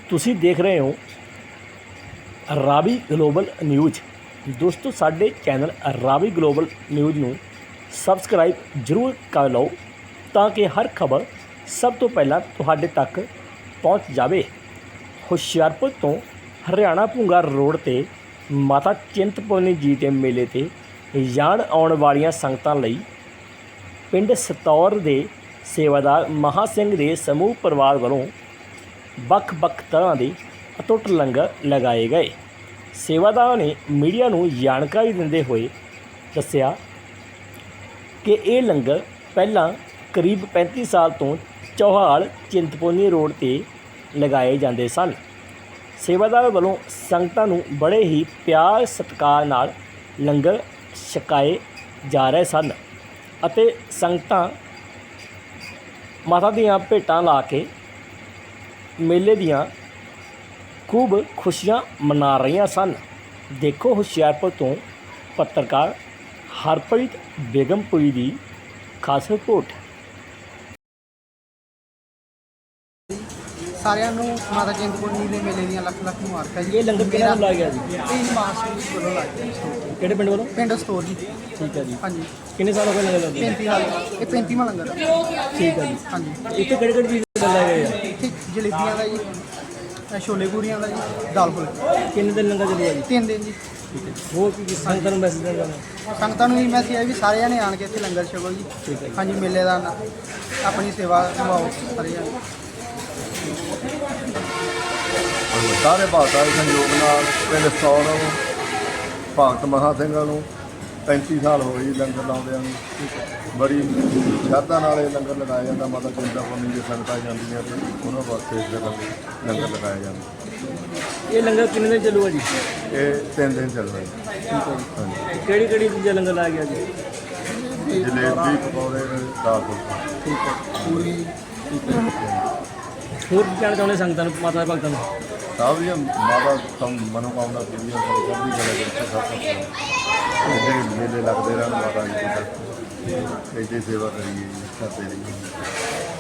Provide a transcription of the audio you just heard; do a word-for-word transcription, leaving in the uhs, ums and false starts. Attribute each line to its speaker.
Speaker 1: ਤੁਸੀਂ ਦੇਖ ਰਹੇ ਹੋ ਰਾਵੀ ਗਲੋਬਲ ਨਿਊਜ਼। ਦੋਸਤੋ, ਸਾਡੇ ਚੈਨਲ ਰਾਵੀ ਗਲੋਬਲ ਨਿਊਜ਼ ਨੂੰ ਸਬਸਕ੍ਰਾਈਬ ਜ਼ਰੂਰ ਕਰ ਲਓ ਤਾਂ ਕਿ ਹਰ ਖਬਰ ਸਭ ਤੋਂ ਪਹਿਲਾਂ ਤੁਹਾਡੇ ਤੱਕ ਪਹੁੰਚ ਜਾਵੇ। ਹੁਸ਼ਿਆਰਪੁਰ ਤੋਂ ਹਰਿਆਣਾ ਭੁੰਗਾ ਰੋਡ 'ਤੇ ਮਾਤਾ ਚਿੰਤਪੁਰਨੀ ਜੀ ਦੇ ਮੇਲੇ 'ਤੇ ਜਾਣ ਆਉਣ ਵਾਲੀਆਂ ਸੰਗਤਾਂ ਲਈ ਪਿੰਡ ਸਤੌਰ ਦੇ ਸੇਵਾਦਾਰ ਮਹਾਂ ਸਿੰਘ ਦੇ ਸਮੂਹ ਪਰਿਵਾਰ ਵੱਲੋਂ ਵੱਖ-ਵੱਖ ਤਰ੍ਹਾਂ ਦੇ ਅਟੁੱਟ ਲੰਗਰ ਲਗਾਏ ਗਏ। ਸੇਵਾਦਾਰਾਂ ਨੇ ਮੀਡੀਆ ਨੂੰ ਜਾਣਕਾਰੀ ਦਿੰਦੇ ਹੋਏ ਦੱਸਿਆ ਕਿ ਇਹ ਲੰਗਰ ਪਹਿਲਾਂ ਕਰੀਬ ਪੈਂਤੀ ਸਾਲ ਤੋਂ ਚੌਹਾਲ ਚਿੰਤਪੁਰਨੀ ਰੋਡ 'ਤੇ ਲਗਾਏ ਜਾਂਦੇ ਸਨ। ਸੇਵਾਦਾਰ ਵੱਲੋਂ ਸੰਗਤਾਂ ਨੂੰ ਬੜੇ ਹੀ ਪਿਆਰ ਸਤਿਕਾਰ ਨਾਲ ਲੰਗਰ ਛਕਾਏ ਜਾ ਰਹੇ ਸਨ ਅਤੇ ਸੰਗਤਾਂ ਮਾਤਾ ਦੀਆਂ ਭੇਟਾਂ ਲਾ ਕੇ ਮੇਲੇ ਦੀਆਂ ਖੂਬ ਖੁਸ਼ੀਆਂ ਮਨਾ ਰਹੀਆਂ ਸਨ। ਦੇਖੋ ਹੁਸ਼ਿਆਰਪੁਰ ਤੋਂ ਪੱਤਰਕਾਰ ਹਰਪ੍ਰੀਤ ਬੇਗਮਪੁਰੀ ਦੀ ਖਾਸ ਰਿਪੋਰਟ।
Speaker 2: ਸਾਰਿਆਂ ਨੂੰ ਮਾਤਾ ਚਿੰਤਪੁਰਨੀ ਦੇ ਮੇਲੇ ਦੀਆਂ ਲੱਖ ਲੱਖ ਮੁਬਾਰਕਾਂ ਜੀ।
Speaker 1: ਇਹ ਲੰਗਰ ਕਿਹਨਾਂ ਵੱਲੋਂ ਲਾਇਆ ਗਿਆ ਜੀ?
Speaker 2: ਇਹ ਮਾਸਟਰ ਵੱਲੋਂ ਲਾਇਆ ਗਿਆ ਜੀ।
Speaker 1: ਕਿਹੜੇ ਪਿੰਡ ਵੱਲੋਂ?
Speaker 2: ਪਿੰਡ ਸਟੋਰ ਜੀ।
Speaker 1: ਠੀਕ ਹੈ ਜੀ।
Speaker 2: ਹਾਂਜੀ।
Speaker 1: ਕਿੰਨੇ ਸਾਲ ਹੋ ਗਏ ਲੰਗਰ ਲਾਉਂਦੇ?
Speaker 2: ਪੈਂਤੀ ਸਾਲ ਇਹ ਪੈਂਤੀਵਾਂ ਲੰਗਰ ਆ।
Speaker 1: ਠੀਕ ਹੈ ਜੀ।
Speaker 2: ਹਾਂਜੀ।
Speaker 1: ਇੱਥੇ ਕਿਹੜੇ ਕਿਹੜੇ ਚੀਜ਼ ਦੇ ਲਾਏ ਗਏ ਆ?
Speaker 2: ਇੱਥੇ ਜਲੇਬੀਆਂ ਦਾ ਜੀ, ਇਹ ਛੋਲੇ ਪੂਰੀਆਂ ਦਾ ਜੀ, ਦਾਲ ਫੁਲਕੇ।
Speaker 1: ਕਿੰਨੇ ਦਿਨ ਲੰਗਰ ਚੱਲੇਗਾ ਜੀ?
Speaker 2: ਤਿੰਨ ਦਿਨ ਜੀ।
Speaker 1: ਠੀਕ ਹੈ। ਹੋਰ ਕੀ ਕੀ ਸੰਗਤਾਂ ਨੂੰ ਮੈਸੇਜ ਦੇਣਾ ਚਾਹੁੰਦੇ?
Speaker 2: ਸੰਗਤਾਂ ਨੂੰ ਵੀ ਮੈਸੇਜ ਹੈ ਵੀ ਸਾਰੇ ਜਣੇ ਆਣ ਕੇ ਇੱਥੇ ਲੰਗਰ ਛਕੋ ਜੀ।
Speaker 1: ਠੀਕ ਹੈ ਜੀ।
Speaker 2: ਹਾਂਜੀ, ਮੇਲੇ ਦਾ ਨਾ- ਆਪਣੀ ਸੇਵਾ ਨਿਭਾਓ ਸਾਰੇ ਜਣੇ।
Speaker 3: ਸਾਰੇ ਭਾਰਤਾਂ ਦੇ ਸੰਯੋਗ ਨਾਲ ਪਿੰਡ ਸਤੌਰ ਨੂੰ ਭਗਤ ਮਹਾਂ ਸਿੰਘਾਂ ਨੂੰ ਪੈਂਤੀ ਸਾਲ ਹੋ ਗਏ ਜੀ ਲੰਗਰ ਲਾਉਂਦਿਆਂ ਨੂੰ। ਬੜੀ ਸ਼ਰਧਾ ਨਾਲ ਇਹ ਲੰਗਰ ਲਗਾਇਆ ਜਾਂਦਾ। ਮਾਤਾ ਚਿੰਤਪੁਰਨੀ ਦੇ ਸੰਗਤਾਂ ਜਾਂਦੀਆਂ ਤੇ ਉਹਨਾਂ ਵਾਸਤੇ ਇਸ ਜਗ੍ਹਾ 'ਤੇ ਲੰਗਰ ਲਗਾਇਆ ਜਾਂਦਾ।
Speaker 1: ਇਹ ਲੰਗਰ ਕਿੰਨੇ ਦਿਨ ਚੱਲੂਗਾ ਜੀ?
Speaker 3: ਇਹ ਤਿੰਨ ਦਿਨ ਚੱਲਦਾ ਜੀ।
Speaker 1: ਠੀਕ ਹੈ ਜੀ।
Speaker 3: ਹਾਂਜੀ।
Speaker 1: ਕਿਹੜੀ ਕਿਹੜੀ ਚੀਜ਼ਾਂ ਲੰਗਰ ਲਾਇਆ ਗਿਆ ਜੀ?
Speaker 3: ਜਲੇਬੀ, ਪਕੌੜੇ, ਦਾਲ ਫੁਲਕਾ।
Speaker 1: ਠੀਕ ਹੈ। ਪੂਰੀ। ਠੀਕ ਹੈ। ਹੋਰ ਕੀ ਕਹਿਣਾ ਚਾਹੁੰਦੇ ਸੰਗਤਾਂ ਨੂੰ, ਮਾਤਾ ਦੇ ਭਗਤਾਂ ਨੂੰ?
Speaker 3: ਸਭ ਦੀਆਂ ਮਾਤਾ ਸਮ ਮਨੋਕਾਮਨਾ ਪੂਰੀਆਂ ਕਰੋ, ਸਭ ਦੀ ਗੱਲ ਕਰਕੇ ਸਭ ਕੁਝ ਜਿਹੜੇ ਮੇਲੇ ਲੱਗਦੇ ਰਹਿਣ ਮਾਤਾ ਜੀ ਦੀ ਇੱਥੇ ਸੇਵਾ ਕਰੀਏ ਜੀ, ਕਰਦੇ ਰਹੀਏ।